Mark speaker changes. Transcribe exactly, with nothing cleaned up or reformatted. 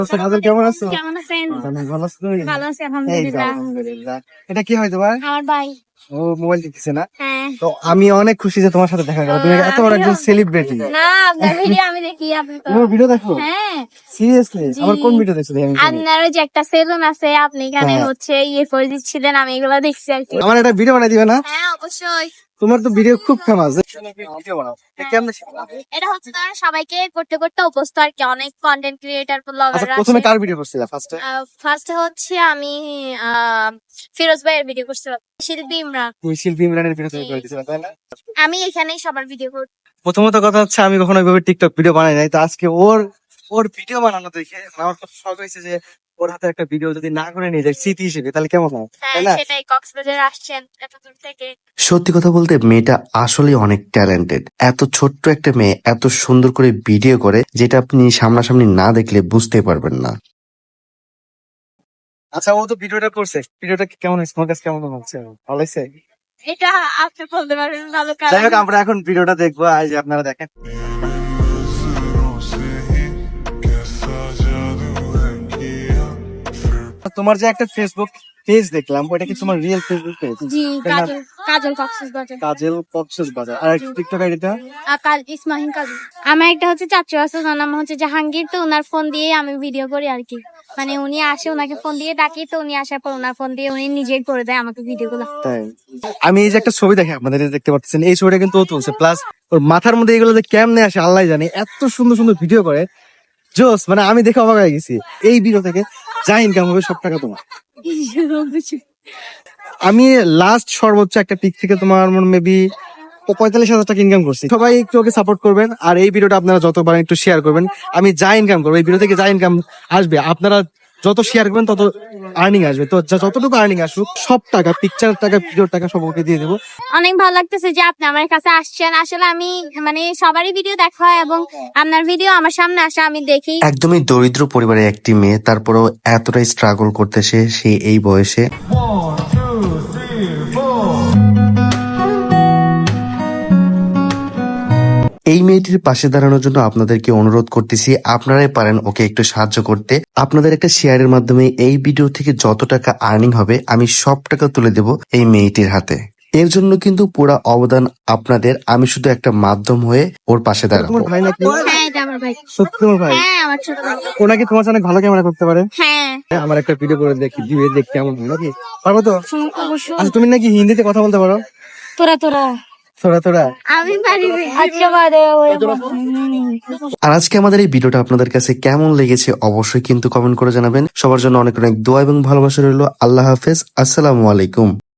Speaker 1: আচ্ছা, কাজল কেমন আছো?
Speaker 2: কেমন আছেন?
Speaker 1: অনেক ভালো আছো তুমি?
Speaker 2: ভালো আছি
Speaker 1: এই তো,
Speaker 2: আলহামদুলিল্লাহ।
Speaker 1: আলহামদুলিল্লাহ। এটা কি হয় তোমার?
Speaker 2: আমার ভাই।
Speaker 1: ও মোবাইল টিপছে না?
Speaker 2: হ্যাঁ।
Speaker 1: তো আমি অনেক খুশি যে তোমার সাথে দেখা গেল। তুমি এত বড় একজন সেলিব্রিটি।
Speaker 2: না, আপনার ভিডিও আমি দেখি। আপনি তো
Speaker 1: তোমার ভিডিও দেখো?
Speaker 2: হ্যাঁ।
Speaker 1: সিরিয়াসলি?
Speaker 2: জি।
Speaker 1: আমার কোন ভিডিও দেখছো? দেখি আমি শুনি।
Speaker 2: আপনার ওই যে একটা সেলুন আছে, আপনি এখানে
Speaker 1: হ্যাঁ।
Speaker 2: হচ্ছে ইয়ে করে দিচ্ছিলেন, আমি এগুলো দেখছি আর কি।
Speaker 1: আমার একটা ভিডিও বানাই দিবে না?
Speaker 2: হ্যাঁ অবশ্যই।
Speaker 1: তোমার তো ভিডিও খুব ফেমাস। ভিডিও বানাও। এটা কেমনে শিখলা?
Speaker 2: এটা হচ্ছে তারা সবাইকে করতে করতে অভ্যস্ত আর কি। অনেক কন্টেন্ট ক্রিয়েটর
Speaker 1: আচ্ছা,
Speaker 2: ব্লগার
Speaker 1: প্রথমে
Speaker 2: আছে।
Speaker 1: কার ভিডিও করছিলা ফার্স্টে?
Speaker 2: ফার্স্টে হচ্ছে আমি আহ, ফিরোজ ভাইয়ের ভিডিও করছিলাম, শিল্পী ইমরান।
Speaker 1: তুমি শিল্পী ইমরানের ভিডিও তুমি করে দিছিলা, তাই না?
Speaker 2: আমি এখানেই সবার ভিডিও করি।
Speaker 1: প্রথমত কথা হচ্ছে আমি কখনো ওইভাবে টিকটক ভিডিও বানাই নাই, তো আজকে ওর ওর ভিডিও বানানো দেখে আমার খুব শখ হয়েছে যে ওর হাতে একটা ভিডিও যদি না করে নিয়ে যায় স্মৃতি হিসেবে তাহলে কেমন হয়,
Speaker 2: হ্যাঁ
Speaker 1: তাই না?
Speaker 2: সেটাই, কক্সবাজার আসছেন এত দূর থেকে।
Speaker 3: সত্যি কথা বলতে মেয়েটা আসলে অনেক ট্যালেন্টেড। এত ছোট্ট একটা মেয়ে এত সুন্দর করে ভিডিও করে যেটা আপনি সামনাসামনি না দেখলে বুঝতে পারবেন না।
Speaker 1: আচ্ছা, ও তো ভিডিওটা করছে, ভিডিওটা কেমন হয়েছে তোমার কাছে, কেমন হচ্ছে? ভালো হয়েছে?
Speaker 2: এটা আপনি বলতে পারবেন ভালো কাজ।
Speaker 1: যাই হোক, আমরা এখন ভিডিওটা দেখবো, আজ আপনারা দেখেন। তোমার যে একটা ফেসবুক পেজ দেখলাম, ওটা কি তোমার রিয়েল ফেসবুক পেজ?
Speaker 2: জি, কাজল কাজল কক্সবাজার।
Speaker 1: কাজল কক্সবাজার। আর টিকটক আইডিটা?
Speaker 2: কাল ইসমাহিন কাজল। আমার একটা হচ্ছে চাচু আছে, ওনার নাম হচ্ছে জাহাঙ্গীর। তো ওনার ফোন দিয়ে আমি ভিডিও করি আর কি। মানে উনি আসে, ওনাকে ফোন দিয়ে ডাকি, তো উনি আসার পর ওনার ফোন দিয়ে উনি নিজেই করে দেয় আমাকে ভিডিও গুলো।
Speaker 1: তাই আমি এই যে একটা ছবি দেখে আপনাদের এই যে দেখতে পাচ্ছেন, এই ছবিটা কিন্তু ও তুলছে, প্লাস ওর মাথার মধ্যে এগুলো যে কেমনে আসে আল্লাহ জানে, এত সুন্দর সুন্দর ভিডিও করে, জোস। মানে আমি দেখে অবাক হয়ে গেছি। এই ভিডিও থেকে যা ইনকাম হবে সব টাকা তোমার। আমি লাস্ট সর্বোচ্চ একটা পিক থেকে তোমার মেবি পঁয়তাল্লিশ হাজার টাকা ইনকাম করছি। সবাই একটু ওকে সাপোর্ট করবেন, আর এই ভিডিওটা আপনারা যতবার একটু শেয়ার করবেন। আমি যা ইনকাম করবো এই ভিডিও থেকে, যা ইনকাম আসবে আপনারা যত শেয়ার করবেন তত আর্নিং আসবে। তো যা- যতটুকু আর্নিং আসুক সব টাকা, পিকচার টাকা, ভিডিওর টাকা সব ওকে দিয়ে দেবো।
Speaker 2: অনেক ভালো লাগতেছে যে আপনি আমার কাছে আসছেন। আসলে আমি মানে সবারই ভিডিও দেখা হয় এবং আপনার ভিডিও আমার সামনে আসা আমি দেখি।
Speaker 3: একদমই দরিদ্র পরিবারের একটি মেয়ে, তারপরেও এতটাই স্ট্রাগল করতেছে সে এই বয়সে। এই মেয়েটির পাশে দাঁড়ানোর জন্য আপনাদেরকে অনুরোধ করতেছি, আপনারাই পারেন ওকে একটু সাহায্য করতে। আপনাদের একটা শেয়ারের মাধ্যমে এই ভিডিও থেকে যত টাকা আর্নিং হবে আমি সব টাকা তুলে দেব এই মেয়েটির হাতে। এর জন্য কিন্তু পুরো অবদান আপনাদের, আমি শুধু একটা মাধ্যম হয়ে ওর পাশে দাঁড়াবো।
Speaker 1: তোমার ভাই নাকি?
Speaker 2: হ্যাঁ এটা আমার ভাই।
Speaker 1: সত্যি তোমার ভাই?
Speaker 2: হ্যাঁ আমার ছোট ভাই।
Speaker 1: ও নাকি তোমার সাথে অনেক ভালো ক্যামেরা করতে পারে?
Speaker 2: হ্যাঁ
Speaker 1: আমার একটা ভিডিও করে দেখি, দিবে দেখ কেমন হয় নাকি, পারবো তো?
Speaker 2: অবশ্যই।
Speaker 1: আচ্ছা, তুমি নাকি হিন্দিতে কথা বলতে পারো?
Speaker 2: তোরা তোরা
Speaker 1: তোরা তোরা
Speaker 2: আমি পারি। আচ্ছা বাদে
Speaker 3: আর আজকে আমাদের এই ভিডিওটা আপনাদের কাছে কেমন লেগেছে অবশ্যই কিন্তু কমেন্ট করে জানাবেন। সবার জন্য অনেক অনেক দোয়া এবং ভালোবাসা রইল। আল্লাহ হাফেজ, আসসালামু আলাইকুম।